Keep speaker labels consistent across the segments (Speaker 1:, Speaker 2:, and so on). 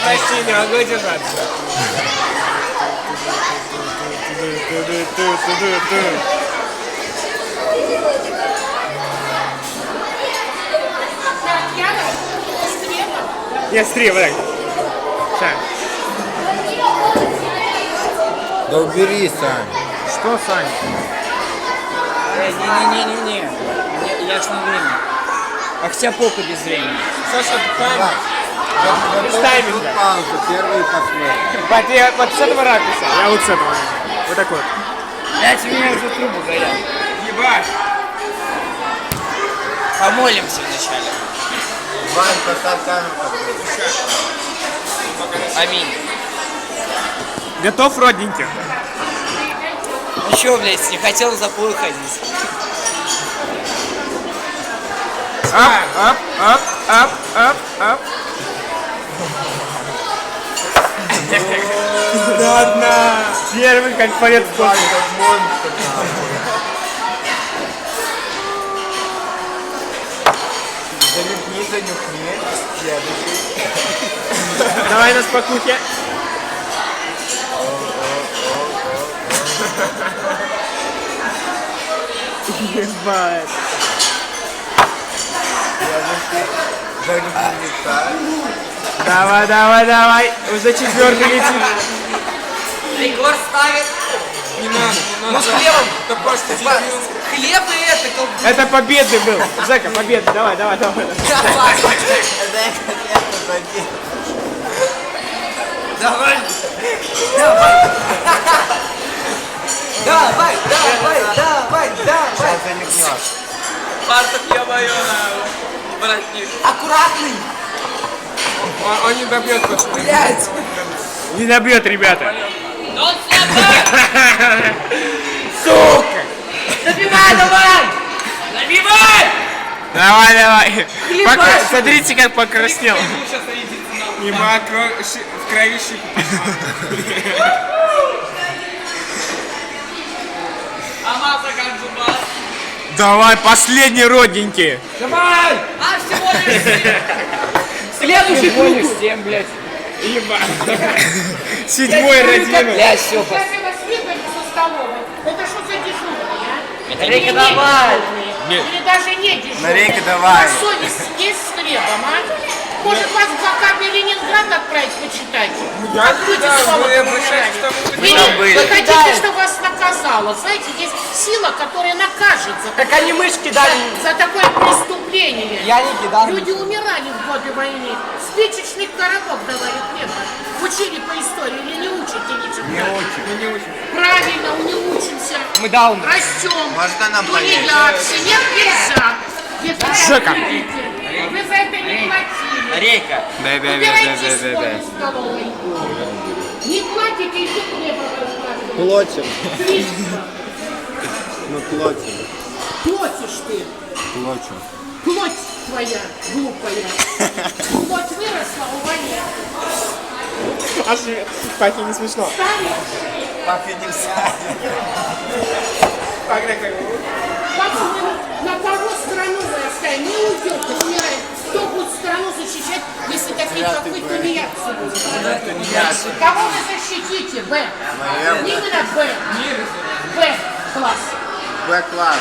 Speaker 1: Почти не могу держаться. Я стрела, так. Сань.
Speaker 2: Да убери, Сань.
Speaker 1: Что, Сань?
Speaker 3: Не-не-не-не-не. Я ж на время. А хотя похуй без времени.
Speaker 1: Саша,
Speaker 2: Давай.
Speaker 1: Представь
Speaker 2: Тут
Speaker 1: меня.
Speaker 2: пауза, первый и последний.
Speaker 1: Вот, я вот с этого ракурса, я вот с этого. Вот так вот.
Speaker 3: Блять, у меня уже трубы горят.
Speaker 1: Ебать.
Speaker 3: Помолимся вначале.
Speaker 2: Вань, поставь камеру.
Speaker 3: Аминь.
Speaker 1: Готов, родненький?
Speaker 3: Ну чё, блядь, не хотел в запой ходить.
Speaker 1: Ап. Ладно. Первый как полет в космос.
Speaker 2: Как монстр, нахуй. Занюхни. Следующий.
Speaker 1: Давай на спокухе. Ебать. Давай. Уже четвертый летит.
Speaker 3: Егор ставит.
Speaker 1: Не надо.
Speaker 3: Ну с хлебом.
Speaker 1: Это просто
Speaker 3: Хлеб и это колбаса.
Speaker 1: Это победный был. Жека, победный. Давай.
Speaker 3: Давай.
Speaker 2: Сейчас занюхнешь.
Speaker 3: Фартук, ё-моё, воротник. Аккуратный.
Speaker 1: Он не добьет, пацаны.
Speaker 3: Блять.
Speaker 1: Не добьет, ребята.
Speaker 3: Сука. Забивай, давай.
Speaker 1: Давай. Смотрите, как покраснел. Ебать, в крови щипы. Давай, последний родненький.
Speaker 3: Давай. А всего лишь 7. Следующий круг. 7, блядь.
Speaker 1: Ебать. Седьмой родимый.
Speaker 3: Блядь, все.
Speaker 4: Если вас выгнали со столовой, это что за дежурные, а?
Speaker 3: Рейка,
Speaker 4: Или не
Speaker 3: давай.
Speaker 4: дежурные? Или даже не дежурные?
Speaker 2: Рейка, давай.
Speaker 4: А совесть есть с хлебом, а? Может, вас в блокадный Ленинград отправить почитать?
Speaker 1: Я
Speaker 4: Откройте
Speaker 1: туда,
Speaker 4: слово
Speaker 1: вы
Speaker 4: «помирали».
Speaker 1: обращайтесь к тому, кто
Speaker 4: Или
Speaker 2: там были.
Speaker 4: вы хотите, чтобы вас наказало? Знаете, есть сила, которая накажет за
Speaker 3: Так они мышки дали.
Speaker 4: за такое преступление.
Speaker 3: Я не кидал.
Speaker 4: Люди умирали в годы войны. Спичечный коробок давали хлеба. Учили по истории или не учите ничего?
Speaker 2: Не учим.
Speaker 4: Правильно, не учимся.
Speaker 3: Мы дауны.
Speaker 4: Растем.
Speaker 2: Можно нам
Speaker 4: Тунеядцы. Нет, нельзя. Если
Speaker 1: Жека.
Speaker 4: вы за это не платили.
Speaker 3: Рейка.
Speaker 4: Убирайтесь в столовой. Не платите, и тут хлеба раскладываете.
Speaker 2: Плотим.
Speaker 4: Слишком.
Speaker 2: Мы плотим.
Speaker 4: Платишь ты.
Speaker 2: Плотим.
Speaker 4: Плоть твоя, глупая. Плоть выросла, увольняй.
Speaker 1: Аж Пахе не смешно.
Speaker 2: Папе нельзя.
Speaker 4: Как вы на кого страну вы оставили? Не уйдете, умирает. Кто будет страну защищать, если такие, как вы, тунеядцы будут? Кого вы защитите? Б. Именно Б. Б-класс.
Speaker 2: Б-класс.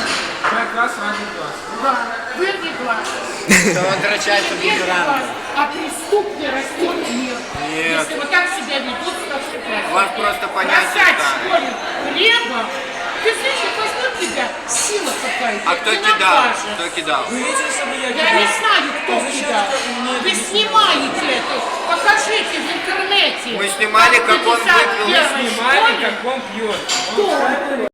Speaker 4: Да. Вырви глаз.
Speaker 2: Он дрочается
Speaker 4: Вырви
Speaker 2: бутерами.
Speaker 4: глаз. А преступный растет мир. Если вы так себя ведете, то все правильно.
Speaker 2: Вас просто понятие
Speaker 4: Бросать в
Speaker 2: станет.
Speaker 4: школе хлеба. Ты слышишь, возьмет тебя сила какая-то.
Speaker 2: А кто
Speaker 4: ты
Speaker 2: кидал?
Speaker 4: накажешь.
Speaker 2: Кто кидал?
Speaker 4: Я не знаю, кто кидал. Вы снимаете это. Покажите в интернете.
Speaker 2: Мы снимали, как он выпил.
Speaker 4: Мы
Speaker 1: Снимали, как он пьет.
Speaker 4: Кто?